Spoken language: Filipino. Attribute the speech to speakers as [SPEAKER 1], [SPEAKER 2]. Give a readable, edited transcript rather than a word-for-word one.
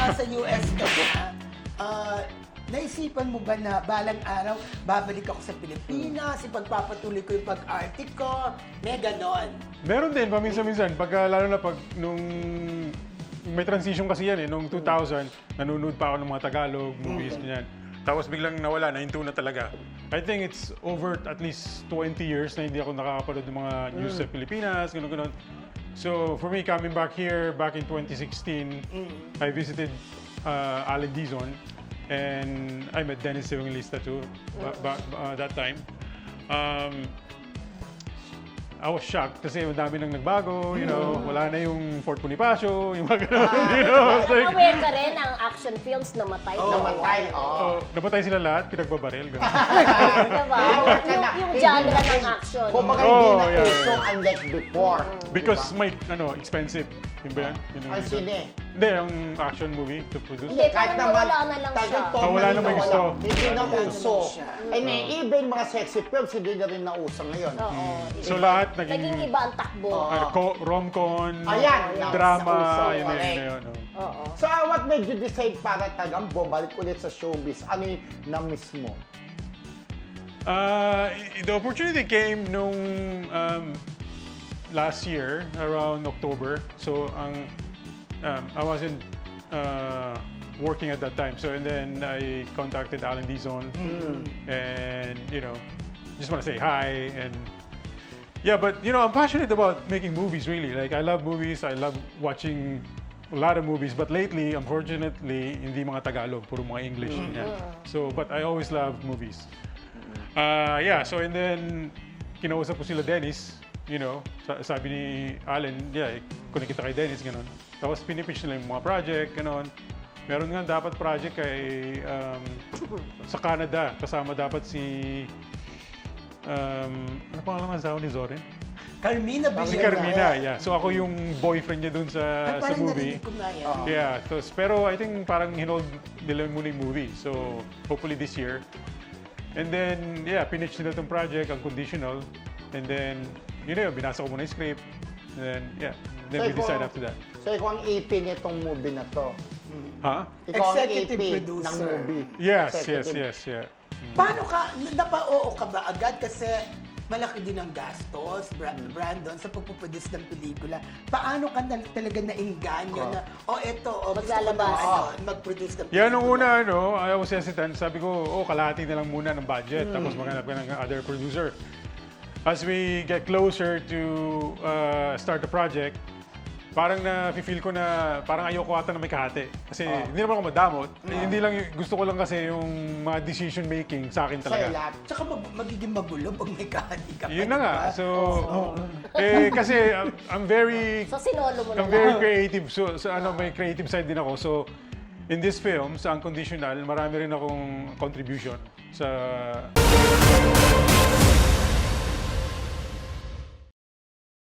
[SPEAKER 1] nasa US ka na, naisipan mo ba na balang araw, babalik ako sa Pilipinas, ipagpapatuloy ko yung pag-arte ko, may ganon.
[SPEAKER 2] Meron din, paminsan-minsan. Lalo na pag nung may transition kasi yan nung 2000, nanonood pa ako ng mga Tagalog movies, ganyan. Tapos biglang nawala, nahinto na talaga. I think it's over at least 20 years na hindi ako nakakapanood ng mga news sa Pilipinas, gano'n. So for me, coming back here, back in 2016, I visited Allen Dizon, and I met Dennis Evangelista too, that time. I was shocked kasi madami nang nagbago, you know, wala na yung Fort Bonifacio, yung mga ganun, you know. It's like,
[SPEAKER 3] Aware ka rin ang action films namatay.
[SPEAKER 4] Namatay,
[SPEAKER 2] napatay sila lahat, pinagbabaril, gano'n.
[SPEAKER 3] Diba? Yung genre ng action.
[SPEAKER 4] Kung baka
[SPEAKER 2] Oh,
[SPEAKER 4] hindi na
[SPEAKER 2] yeah,
[SPEAKER 4] uso
[SPEAKER 2] yeah.
[SPEAKER 4] unlike before.
[SPEAKER 2] Because may, expensive. Yun ba yan? Yun
[SPEAKER 4] Ang
[SPEAKER 2] reason.
[SPEAKER 4] sine.
[SPEAKER 2] Hindi, ang action movie to produce.
[SPEAKER 3] Hindi, parang nawala na lang siya.
[SPEAKER 2] Wala na may gusto.
[SPEAKER 4] Hindi na
[SPEAKER 1] Wala na
[SPEAKER 4] uso.
[SPEAKER 1] siya.
[SPEAKER 4] And even mga sexy films, hindi na rin nauso ngayon.
[SPEAKER 3] Oo.
[SPEAKER 2] So lahat
[SPEAKER 3] Naging
[SPEAKER 2] naging
[SPEAKER 3] iba ang takbo.
[SPEAKER 2] rom-con,
[SPEAKER 4] Ayan,
[SPEAKER 2] drama,
[SPEAKER 4] nauso,
[SPEAKER 2] yun na
[SPEAKER 4] correct.
[SPEAKER 2] yun. Oh.
[SPEAKER 3] Oo.
[SPEAKER 4] So what made you decide para talagang bumalik ulit sa showbiz? Ano yung na-miss mo?
[SPEAKER 2] The opportunity came nung last year, around October. So I wasn't working at that time. So and then I contacted Alan Dizon, and just want to say hi and yeah. But I'm passionate about making movies. Really, like I love movies. I love watching a lot of movies. But lately, unfortunately, hindi mga Tagalog, puro mga English. Yeah. So, but I always love movies. Yeah. So and then kinausap ko sila Dennis. Sabi ni Allen, yeah, kunin kita kay Dennis, gano'n. Tapos pinipitch nila yung mga project, gano'n. Meron nga dapat project kay sa Canada. Kasama dapat si ano pangalan ng asawa ni Zorin?
[SPEAKER 1] Carmina Villarreal.
[SPEAKER 2] Si Carmina, yeah. So ako yung boyfriend niya dun sa
[SPEAKER 1] Parang
[SPEAKER 2] movie.
[SPEAKER 1] narinig ko nga yan.
[SPEAKER 2] Yeah, pero I think parang hinold nila muna yung movie. So hopefully this year. And then, yeah, pinitch nila itong project, ang conditional. And then, binasa ko muna yung script. And then, yeah, then we decide after that.
[SPEAKER 4] So ikaw ang EP nitong movie na to.
[SPEAKER 2] Ha?
[SPEAKER 4] Ikaw ang
[SPEAKER 1] Executive
[SPEAKER 4] EP ng
[SPEAKER 1] producer.
[SPEAKER 4] movie.
[SPEAKER 2] Yes,
[SPEAKER 4] Executive.
[SPEAKER 2] yeah.
[SPEAKER 1] Paano ka, napa-oo ka ba agad? Kasi malaki din ang gastos, Brandon, sa pagpuproduce ng pelikula. Paano ka talaga nainganyo na, gusto ko na
[SPEAKER 3] Maglalabas.
[SPEAKER 1] mag-produce ng pelikula?
[SPEAKER 2] Yeah, nung una, I was hesitant. Sabi ko, kalahati na lang muna ng budget. Tapos maghanap ka ng other producer. As we get closer to start the project, parang na-feel ko na parang ayoko ata na may kahati. Kasi hindi naman ako madamot. Hindi lang, gusto ko lang kasi yung mga decision making sa akin
[SPEAKER 4] Sa'yo
[SPEAKER 2] talaga.
[SPEAKER 4] lahat.
[SPEAKER 1] Tsaka magiging magulo pag may kahati ka pa.
[SPEAKER 2] Yun na nga.
[SPEAKER 1] diba?
[SPEAKER 2] So, kasi I'm very
[SPEAKER 3] So sinolo mo na
[SPEAKER 2] I'm very
[SPEAKER 3] lang.
[SPEAKER 2] creative. So may creative side din ako. So, in this film, sa Unconditional, marami rin akong contribution sa